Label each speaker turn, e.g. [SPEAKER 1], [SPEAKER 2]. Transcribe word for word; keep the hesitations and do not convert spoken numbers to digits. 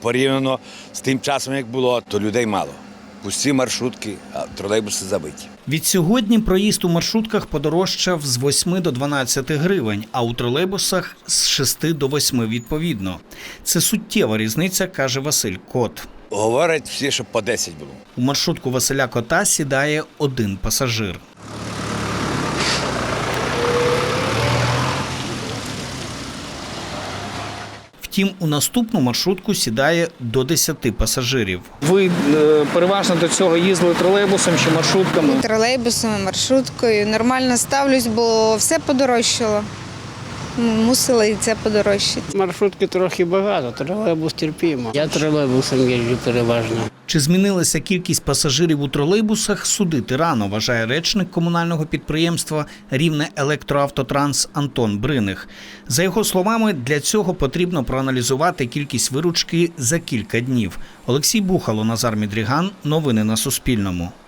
[SPEAKER 1] Порівняно з тим часом, як було, то людей мало. Пусті маршрутки, а тролейбуси забиті.
[SPEAKER 2] Відсьогодні проїзд у маршрутках подорожчав з восьми до дванадцяти гривень, а у тролейбусах – з шести до восьми відповідно. Це суттєва різниця, каже Василь Кот.
[SPEAKER 1] Говорять всі, що по десять було.
[SPEAKER 2] У маршрутку Василя Кота сідає один пасажир. Втім, у наступну маршрутку сідає до десяти пасажирів.
[SPEAKER 3] Ви е, переважно до цього їздили тролейбусом чи маршрутками?
[SPEAKER 4] Тролейбусом, маршруткою. Нормально ставлюсь, бо все подорожчало. Мусила і це подорожчати.
[SPEAKER 5] Маршрутки трохи багато, тролейбус терпімо. Я тролейбусом їжджу переважно.
[SPEAKER 2] Чи змінилася кількість пасажирів у тролейбусах, судити рано, вважає речник комунального підприємства «Рівне електроавтотранс» Антон Бриних. За його словами, для цього потрібно проаналізувати кількість виручки за кілька днів. Олексій Бухало, Назар Мідріган. Новини на Суспільному.